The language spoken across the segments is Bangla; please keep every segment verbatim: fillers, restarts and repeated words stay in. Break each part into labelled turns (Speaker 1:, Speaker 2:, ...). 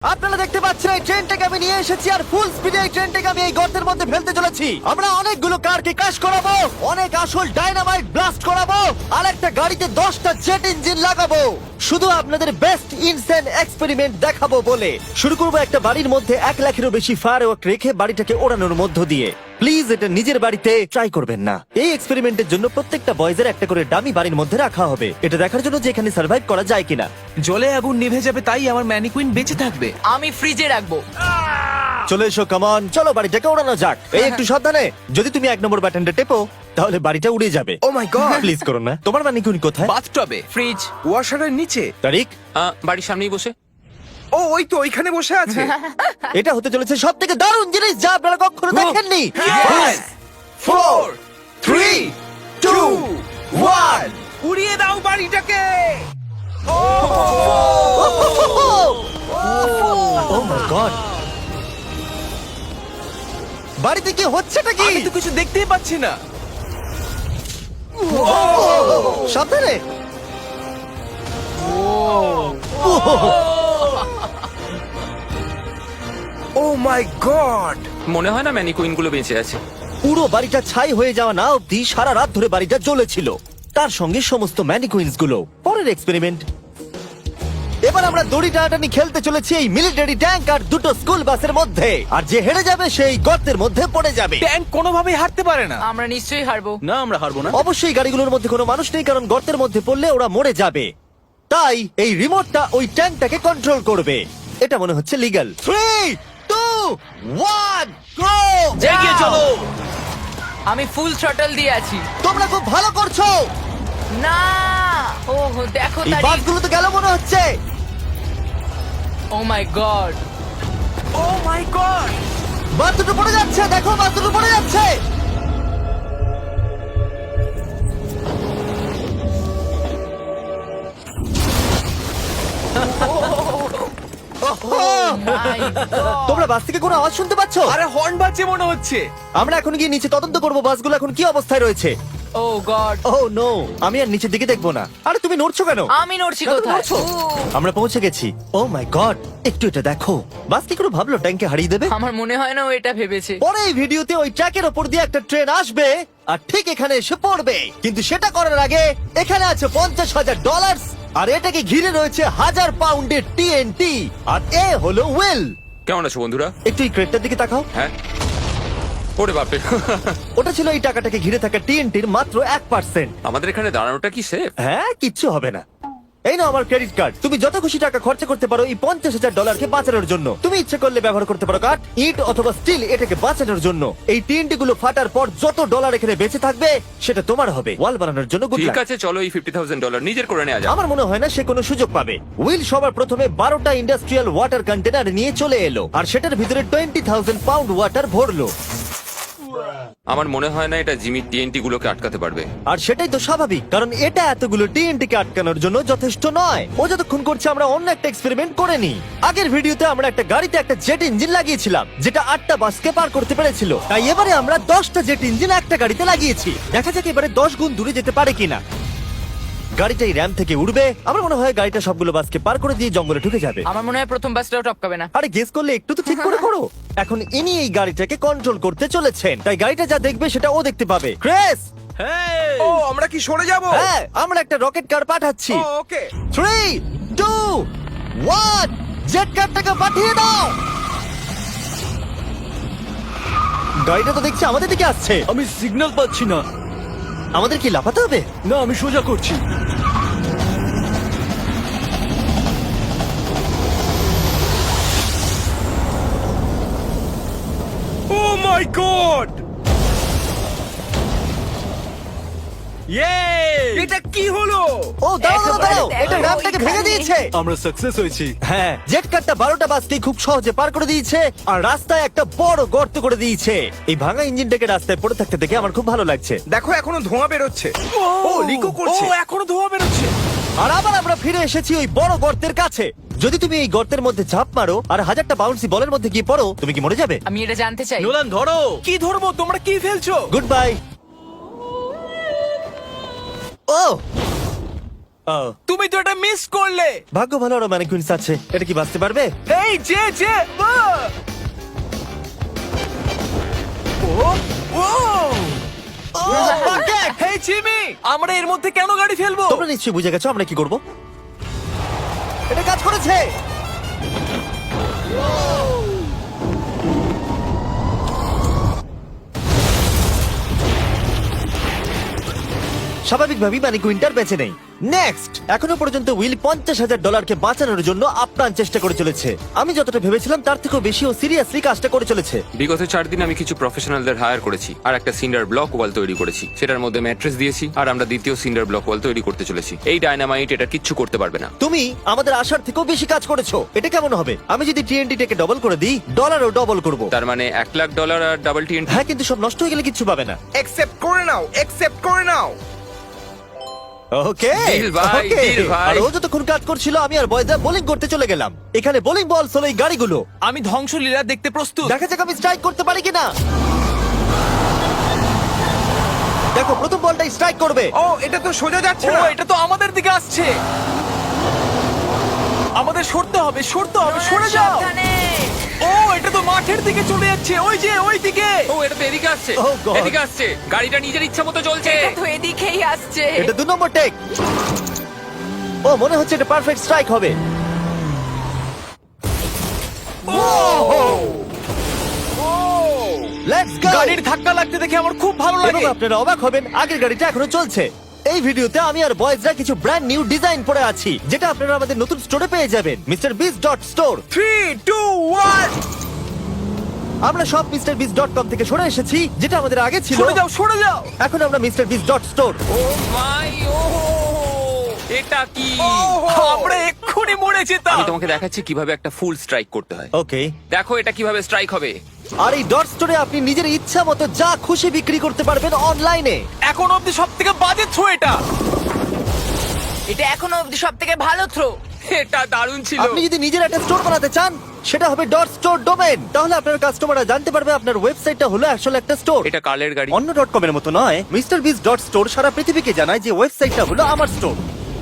Speaker 1: আপনারা দেখতে পাচ্ছেন এই ট্রেনটাকে আমি নিয়ে এসেছি আর ফুল স্পিডে এই ট্রেনটাকে আমি এই গর্তের মধ্যে ফেলতে চলেছি। আমরা অনেকগুলো কারকে ক্র্যাশ করাবো, অনেক আসল ডাইনামাইট ব্লাস্ট করাবো, আর একটা গাড়িতে দশটা জেট ইঞ্জিন লাগাবো, শুধু আপনাদের বেস্ট ইনসেন এক্সপেরিমেন্ট দেখাবো বলে। শুরু করবো একটা বাড়ির মধ্যে এক লাখেরও বেশি ফায়ারওয়ার্ক রেখে বাড়িটাকে ওড়ানোর মধ্য দিয়ে। প্লিজ এটা নিজের বাড়িতে ট্রাই করবেন না। এই এক্সপেরিমেন্টের জন্য প্রত্যেকটা বয়েজের একটা করে ডামি বাড়ির মধ্যে রাখা হবে, এটা দেখার জন্য যে এখানে সার্ভাইভ করা যায় কিনা।
Speaker 2: জলে আগুন নিভে যাবে, তাই আমার ম্যানিকুইন বেঁচে থাকবে।
Speaker 3: আমি ফ্রিজে রাখবো।
Speaker 1: চলে এসো, কামন, চলো বাড়িটাকে ওড়ানো যাক। এই একটু সাবধানে, যদি তুমি এক নম্বর বাটনটা টেপো তাহলে বাড়িটা উড়ে যাবে।
Speaker 2: ও মাই গড!
Speaker 1: প্লিজ করো না। তোমার ম্যানিকুইন কোথায়?
Speaker 2: বাথটবে,
Speaker 3: ফ্রিজ
Speaker 2: ওয়াশারের নিচে।
Speaker 1: তারিক,
Speaker 4: আহ, বাড়ির সামনেই বসে।
Speaker 2: ও ওই তো ওইখানে বসে আছে।
Speaker 1: এটা হতে চলেছে সব থেকে দারুণ জিনিস যা আপনারা কখনো দেখেননি।
Speaker 2: Yes! Four, three, two, one. উড়িয়ে দাও বাড়িটাকে।
Speaker 1: ও মাই গড, বাড়িতে কি হচ্ছেটা কি?
Speaker 2: আমি তো কিছু দেখতেই পাচ্ছি না।
Speaker 1: সাবধানে।
Speaker 2: Oh my god!
Speaker 4: মনে হয় না ম্যানিকুইন গুলো বেঁচে আছে।
Speaker 1: পুরো বাড়িটা ছাই হয়ে যাওয়া না অব্দি সারা রাত ধরে বাড়িটা জ্বলেছিল, তার সঙ্গে সমস্ত ম্যানিকুইন্স গুলো। পরের এক্সপেরিমেন্ট, এবার আমরা দড়ি টানাটানি খেলতে চলেছি এই মিলিটারি ট্যাঙ্ক আর দুটো স্কুল বাসের মধ্যে, আর যে হেরে যাবে সেই গর্তের মধ্যে পড়ে যাবে।
Speaker 2: ট্যাঙ্ক কোনোভাবেই হারতে পারে না।
Speaker 3: আমরা নিশ্চয়ই হারবো।
Speaker 2: না, আমরা হারবো না।
Speaker 1: অবশ্যই গাড়িগুলোর মধ্যে কোনো মানুষ নেই, কারণ গর্তের মধ্যে পড়লে ওরা মরে যাবে। তাই এই রিমোটটা ওই ট্যাঙ্কটাকে কন্ট্রোল করবে। এটা মনে হচ্ছে legal. Three two one go!
Speaker 3: এগিয়ে চলো। আমি ফুল থ্রটল দিয়ে আছি।
Speaker 1: তোমরা খুব ভালো করছো।
Speaker 3: না, ও দেখো
Speaker 1: এই
Speaker 3: তারিখ।
Speaker 1: বাসগুলো তো গেল মনে হচ্ছে।
Speaker 3: ও my god,
Speaker 2: O my god!
Speaker 1: বাস দুটো পড়ে যাচ্ছে, দেখো বাস দুটো পড়ে যাচ্ছে। তোমরা বাস থেকে কোনো আওয়াজ শুনতে পাচ্ছ?
Speaker 2: আরে হর্ন বাজছে মনে হচ্ছে।
Speaker 1: আমরা এখন গিয়ে নিচে তদন্ত করবো বাসগুলো এখন কি অবস্থায় রয়েছে।
Speaker 3: ও গড,
Speaker 1: ও নো, আমি আর নিচের দিকে দেখবো না। আরে তুমি নড়ছো কেন?
Speaker 3: আমি নড়ছি
Speaker 1: কেন
Speaker 3: কোথায়?
Speaker 1: নড়ছো? আমরা পৌঁছে গেছি। ও মাই গড, একটু এটা দেখো। বাস কি করে ভাবলো ট্যাঙ্কে হারিয়ে দেবে?
Speaker 3: আমার মনে হয় না ও এটা ভেবেছে।
Speaker 1: পরে এই ভিডিওতে ওই ট্র্যাকের ওপর দিয়ে একটা ট্রেন আসবে আর ঠিক এখানে এসে পড়বে, কিন্তু সেটা করার আগে এখানে আছে পঞ্চাশ হাজার ডলার, আর এটাকে ঘিরে রয়েছে হাজার পাউন্ডের টিএনটি, আর এ হলো ওয়েল।
Speaker 4: কেমন আছো বন্ধুরা?
Speaker 1: একটু এই ক্রেটটার দিকে তাকাও।
Speaker 4: হ্যাঁ, ওরে বাপরে।
Speaker 1: ওটা ছিল এই টাকাটাকে ঘিরে থাকা টিএনটির মাত্র এক পার্সেন্ট।
Speaker 4: আমাদের এখানে দাঁড়ানোটা কি সেফ?
Speaker 1: হ্যাঁ, কিচ্ছু হবে না। এই নাও আমার ক্রেডিট কার্ড, তুমি যত খুশি টাকা খরচা করতে পারো এই পঞ্চাশ হাজার ডলারকে বাঁচানোর জন্য। তুমি ইচ্ছে করলে ব্যবহার করতে পারো কাঠ, ইট অথবা স্টিল এটাকে বাঁচানোর জন্য। এই টিএনটি গুলো ফাটার পর যত ডলার এখানে বেঁচে থাকবে সেটা তোমার হবে। ওয়াল বানানোর জন্য গুড
Speaker 4: ঠিক
Speaker 1: লাক।
Speaker 4: আছে, চলো এই ফিফটি থাউজেন্ড ডলার নিজের করে নেওয়া যাক।
Speaker 1: আমার মনে হয় না সে কোনো সুযোগ পাবে। উইল সবার প্রথমে বারোটা ইন্ডাস্ট্রিয়াল ওয়াটার কন্টেনার নিয়ে চলে এলো, আর সেটার ভিতরে টোয়েন্টি থাউজেন্ড পাউন্ড ওয়াটার ভরলো।
Speaker 4: আমার মনে হয় না এটা জিমি টিএনটি গুলোকে আটকাতে পারবে।
Speaker 1: আর সেটাই তো স্বাভাবিক, কারণ এটা এতগুলো টিএনটি কে আটকানোর জন্য যথেষ্ট নয়। ও যতক্ষণ করছে আমরা অন্য একটা এক্সপেরিমেন্ট করে নিই। আগের ভিডিওতে আমরা একটা গাড়িতে একটা জেট ইঞ্জিন লাগিয়েছিলাম যেটা আটটা বাসকে পার করতে পেরেছিল, তাই এবারে আমরা দশটা জেট ইঞ্জিন একটা গাড়িতে লাগিয়েছি। দেখা যাক এবারে দশ গুণ দূরে যেতে পারে কিনা। গাড়িটা এই র্যাম থেকে উঠবে, আমার মনে হয় গাড়িটা সবগুলো বাসকে পার করে দিয়ে জঙ্গলে ঢুকে যাবে।
Speaker 3: আমার মনে হয় প্রথম বাসটাও টপকাবে না।
Speaker 1: আরে গেস করলে একটু তো ঠিক করে করো। এখন ইনি এই গাড়িটাকে কন্ট্রোল করতে চলেছেন, তাই গাড়িটা যা দেখবে সেটা ও দেখতে পাবে। ক্রেস,
Speaker 2: ও আমরা কি সরে যাব?
Speaker 1: হ্যাঁ, আমরা একটা রকেট কার পাঠাচ্ছি।
Speaker 2: Oh okay.
Speaker 1: Three two one, jet কারটাকে পাঠিয়ে দাও। গাড়িটা তো দেখছি আমাদের দিকে আসছে।
Speaker 5: আমি সিগন্যাল পাচ্ছি না।
Speaker 1: আমাদের কি লাফাতে হবে?
Speaker 5: না, আমি সোজা করছি।
Speaker 2: Oh my god!
Speaker 5: ইয়ে!
Speaker 2: এটা কি হলো?
Speaker 1: ও দাঁড়াও দাঁড়াও দাঁড়াও,
Speaker 3: একেবারে
Speaker 1: এটা
Speaker 3: দেখো,
Speaker 1: র্যামটাকে ভেঙে
Speaker 3: ওইখানে।
Speaker 1: দিয়েছে।
Speaker 5: আমরা সাকসেস হয়েছি।
Speaker 1: হ্যাঁ, জেট কারটা বারোটা বাসকে খুব সহজে পার করে দিয়েছে, আর রাস্তায় একটা বড় গর্ত করে দিয়েছে। এই ভাঙা ইঞ্জিনটাকে রাস্তায় পড়ে থাকতে দেখে আমার খুব ভালো লাগছে।
Speaker 2: দেখো এখনো ধোঁয়া বেরোচ্ছে। ও লিকো করছে।
Speaker 5: ও এখনো ধোঁয়া বেরোচ্ছে।
Speaker 1: আর আবার আমরা ফিরে এসেছি ওই বড় গর্তের কাছে। যদি তুমি এই গর্তের মধ্যে ঝাঁপ মারো আর হাজারটা বাউন্সি বলের মধ্যে গিয়ে পড়ো, তুমি কি মরে যাবে?
Speaker 3: আমি এটা জানতে চাই।
Speaker 5: নোলান ধরো।
Speaker 2: কি ধরবো? তোমরা কি ফেলছো?
Speaker 1: Good bye. ও ও,
Speaker 2: তুমি তো এটা মিস করলে।
Speaker 1: ভাগ্য ভালো আরো ম্যানিকুইন্স আছে। এটা কি বাঁচতে পারবে?
Speaker 2: এই যে যে আহ! ও ও
Speaker 1: বাকেট!
Speaker 2: হেই জিমি, আমরা এর মধ্যে কেন গাড়ি ফেলবো?
Speaker 1: তোমরা নিশ্চয়ই বুঝে গেছো আমরা কি করব। এটা কাজ করেছে। স্বাভাবিকভাবেই মানে কুইন্টার বেঁচে নেই। নেক্সট, এখনো পর্যন্ত উইল পঞ্চাশ হাজার ডলারকে বাঁচানোর জন্য আপ্রাণ চেষ্টা করে চলেছে। আমি যতটা ভেবেছিলাম তার থেকেও বেশি ও সিরিয়াসলি কাজটা করে চলেছে।
Speaker 4: বিগত চার দিন আমি কিছু প্রফেশনালদের হায়ার করেছি আর একটা সিন্ডার ব্লক ওয়াল তৈরি করেছি। সেটার মধ্যে ম্যাট্রেস দিয়েছি আর আমরা দ্বিতীয় সিন্ডার ব্লক ওয়াল তৈরি করতে চলেছি। এই ডায়নামাইট এটা কিচ্ছু করতে পারবে না।
Speaker 1: তুমি আমাদের আশার থেকেও বেশি কাজ করেছো। এটা কেমন হবে? আমি যদি টিএনটি টেকে ডবল করে দিই, ডলারও ডবল করব।
Speaker 4: তার মানে এক লাখ ডলার আর ডাবল টি
Speaker 1: হ্যাঁ, কিন্তু সব নষ্ট হয়ে গেলে কিচ্ছু পাবে না।
Speaker 2: অ্যাকসেপ্ট করে নাও, অ্যাকসেপ্ট করে নাও।
Speaker 1: ওকে
Speaker 4: Deal ভাই,
Speaker 1: ওকে।
Speaker 4: deal ভাই।
Speaker 1: আর ও যতক্ষণ কাজ করছিল আমি আর বয়দা বোলিং করতে চলে গেলাম। এখানে বোলিং বল হলো এই গাড়িগুলো।
Speaker 2: আমি ধ্বংসলীলা দেখতে প্রস্তুত।
Speaker 1: দেখা যাক আমি স্ট্রাইক করতে পারি কিনা। দেখো, প্রথম বলটাই স্ট্রাইক করবে।
Speaker 2: ও এটা তো সোজা যাচ্ছে
Speaker 3: ও
Speaker 2: না।
Speaker 3: এটা তো আমাদের দিকে আসছে।
Speaker 2: আমাদের সরতে হবে, সরতে হবে, সরে যাও। ও এটা তো মাঠের দিকে চলে যাচ্ছে, ওই যে ওই দিকে।
Speaker 4: ও এটা তো এদিকে আসছে,
Speaker 1: Oh God!
Speaker 4: এদিকে আসছে। গাড়িটা নিজের ইচ্ছা মতো চলছে।
Speaker 3: এটা তো এদিকেই আসছে।
Speaker 1: এটা দু নম্বর টেক। ও মনে হচ্ছে এটা পারফেক্ট স্ট্রাইক হবে। Let's go.
Speaker 2: গাড়ির ধাক্কা লাগতে দেখে আমার খুব ভালো
Speaker 1: এবং
Speaker 2: লাগে।
Speaker 1: আপনারা অবাক হবেন, আগের গাড়িটা এখনো চলছে। এই ভিডিওতে আমি আর বয়েজরা কিছু ব্র্যান্ড নিউ ডিজাইন পরে আছি, যেটা আপনারা আমাদের নতুন স্টোরে পেয়ে যাবেন, mister Beast dot store.
Speaker 2: Three two one,
Speaker 1: আমরা সব মিস্টার বিস ডট কম থেকে সরে এসেছি, যেটা আমাদের আগে ছিল।
Speaker 2: সরে যাও, সরে যাও।
Speaker 1: এখন আমরা মিস্টার বিস ডট স্টোর।
Speaker 4: ও মাই ও এটা কি?
Speaker 2: আমরা এক্ষুনি মরে যেতাম।
Speaker 4: আমি তোমাকে দেখাচ্ছি কিভাবে একটা ফুল স্ট্রাইক করতে হয়।
Speaker 1: ওকে।
Speaker 4: দেখো এটা কিভাবে স্ট্রাইক হবে।
Speaker 1: আর এই ডট স্টোরে আপনি নিজের ইচ্ছা মতো যা খুশি বিক্রি করতে পারবেন অনলাইনে।
Speaker 2: এখন অব্দি সব থেকে বাজে থ্রো এটা।
Speaker 3: এটা এখনো অবধি সব থেকে ভালো থ্রো।
Speaker 4: এটা দারুণ ছিল।
Speaker 1: আপনি যদি নিজের একটা স্টোর বানাতে চান, সেটা হবে ডট স্টোর ডোমেন। তাহলে আপনার কাস্টমাররা জানতে পারবে আপনার ওয়েবসাইটটা হলো আসলে একটা স্টোর।
Speaker 4: এটা কালের গাড়ি।
Speaker 1: অন্য ডট কম এর মতো নয়। মিস্টার বিস ডট স্টোর সারা পৃথিবীকে জানায় যে ওয়েবসাইটটা হলো আমার স্টোর।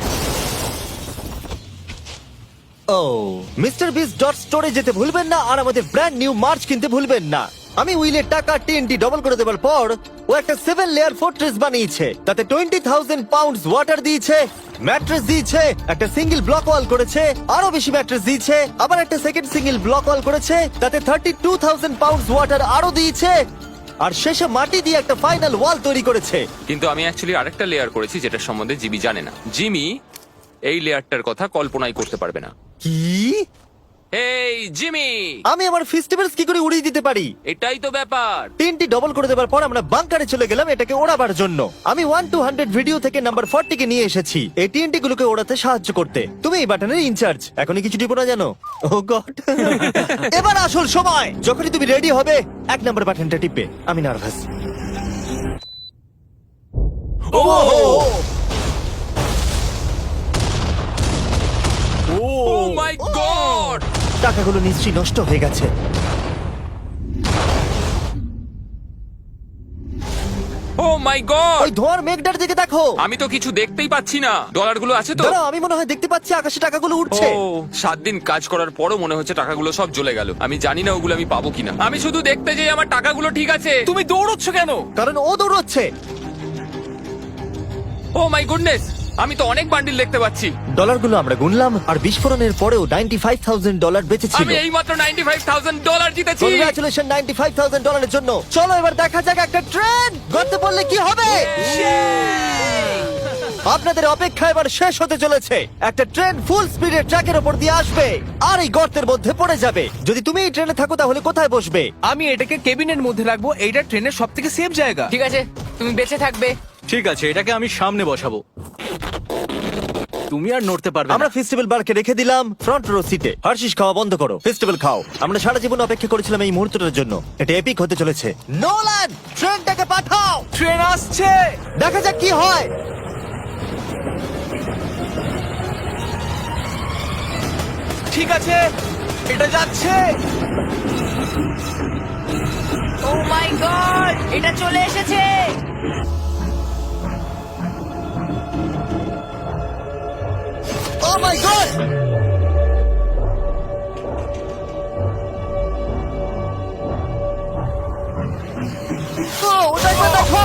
Speaker 1: ও মিস্টার বিস ডট স্টোরে যেতে ভুলবেন না, আর আমাদের ব্র্যান্ড নিউ মার্চ কিনতে ভুলবেন না। আমি উইলের টাকা টিএনটি ডবল করে দেওয়ার পর ও একটা সেভেন লেয়ার ফোর্ট্রেস বানিয়েছে। তাতে টোয়েন্টি থাউজেন্ড পাউন্ডস ওয়াটার দিয়েছে, ম্যাট্রেস দিয়েছে, একটা সিঙ্গেল ব্লক ওয়াল করেছে, আরো বেশি ম্যাট্রেস দিয়েছে, আবার একটা সেকেন্ড সিঙ্গেল ব্লক ওয়াল করেছে, তাতে thirty two thousand pounds water আরো দিয়েছে, আর শেষে মাটি দিয়ে একটা ফাইনাল ওয়াল তৈরি করেছে।
Speaker 4: কিন্তু আমি অ্যাকচুয়ালি আরেকটা লেয়ার করেছি যেটা সম্বন্ধে জিমি জানে না। জিমি এই লেয়ারটার কথা কল্পনাই করতে পারবে না।
Speaker 1: কি?
Speaker 4: এই জিমি,
Speaker 1: আমি আমার ফেস্টিভ্যালস কি করে উড়িয়ে দিতে পারি?
Speaker 4: এটাই তো ব্যাপার।
Speaker 1: তিনটি ডবল করে দেওয়ার পর আমরা বাংকারে চলে গেলাম এটাকে ওড়াবার জন্য। আমি ওয়ান টু হান্ড্রেড ভিডিও থেকে নাম্বার ফর্টি কে নিয়ে এসেছি এই টিএনটি গুলোকে ওড়াতে সাহায্য করতে। তুমি এই বাটনের ইনচার্জ। এখনই কিছু টিপো না জানো? Oh god. এবার আসল সময়। যখনই তুমি রেডি হবে এক নাম্বার বাটনটা টিপবে। আমি nervous.
Speaker 4: O O my god,
Speaker 1: টাকাগুলো নিশ্চয়ই নষ্ট হয়ে গেছে।
Speaker 4: Oh my god.
Speaker 1: ওই ধোঁয়ার মেঘটার দিকে দেখো।
Speaker 4: আমি তো কিছু দেখতেই পাচ্ছি না। ডলারগুলো আছে তো?
Speaker 1: দাঁড়াও, আমি মনে হয় দেখতে পাচ্ছি আকাশে টাকাগুলো উঠছে।
Speaker 4: ও সাত দিন কাজ করার পরও মনে হচ্ছে টাকাগুলো সব জ্বলে গেল। আমি জানি না ওগুলো আমি পাবো কিনা। আমি শুধু দেখতে যাই আমার টাকাগুলো ঠিক আছে।
Speaker 2: তুমি দৌড়চ্ছ কেন?
Speaker 1: কারণ ও দৌড়চ্ছে।
Speaker 4: ও মাই গুডনেস, আমি তো অনেক বান্ডিল দেখতে পাচ্ছি।
Speaker 1: ডলারগুলো আমরা গুনলাম, আর বিস্ফোরণের পরেও নাইনটি ফাইভ থাউজেন্ড ডলার বেঁচে ছিল।
Speaker 4: আমি এই মাত্র নাইনটি ফাইভ থাউজেন্ড ডলার জিতেছি।
Speaker 1: কংগ্রাচুলেশন নাইনটি ফাইভ থাউজেন্ড ডলারের জন্য। চলো এবার দেখা যাক একটা ট্রেন গর্তে পড়লে কি হবে। আপনাদের অপেক্ষা এবার শেষ হতে চলেছে। একটা ট্রেন ফুল স্পিডে ট্র্যাকের উপর দিয়ে আসবে আর এই গর্তের মধ্যে পড়ে যাবে। যদি তুমি এই ট্রেনে থাকো তাহলে কোথায় বসবে?
Speaker 2: আমি এটাকে কেবিনের মধ্যে রাখবো। এইটা ট্রেনের সব থেকে সেফ জায়গা।
Speaker 3: ঠিক আছে, তুমি বেঁচে থাকবে।
Speaker 5: ঠিক আছে, এটাকে আমি সামনে বসাবো। তুমি আর নড়তে পারবে না।
Speaker 1: আমরা ফেস্টিভ্যাল বারকে রেখে দিলাম ফ্রন্ট রো সিটে। হার্শিস খাওয়া বন্ধ করো, ফেস্টিভ্যাল খাও। আমরা সারা জীবন অপেক্ষা করেছিলাম এই মুহূর্তটার জন্য। এটা এপিক হতে চলেছে। নোলান, ট্রেনটাকে পাঠাও।
Speaker 2: ট্রেন আসছে।
Speaker 1: দেখা যাক কি হয়।
Speaker 2: ঠিক আছে, এটা যাচ্ছে।
Speaker 3: ও মাই গড, এটা চলে এসেছে।
Speaker 1: ও মাই গড! ও, ওটা একবার দেখো!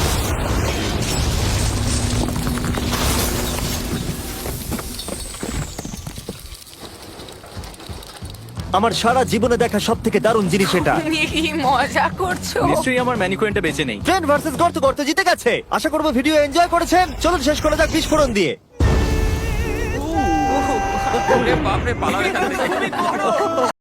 Speaker 1: আমার সারা জীবনে দেখা সব থেকে দারুণ জিনিস এটা।
Speaker 3: তুমি কি মজা করছো?
Speaker 5: নিশ্চয়ই আমার ম্যানিকুইনটা বেঁচে নেই।
Speaker 1: ট্রেন ভার্সেস গর্ত, গর্ত জিতে গেছে। আশা করবো ভিডিও এনজয় করেছেন। চলুন শেষ করা যাক বিস্ফোরণ দিয়ে।
Speaker 4: ওরে বাপরে, পালাও এখান থেকে।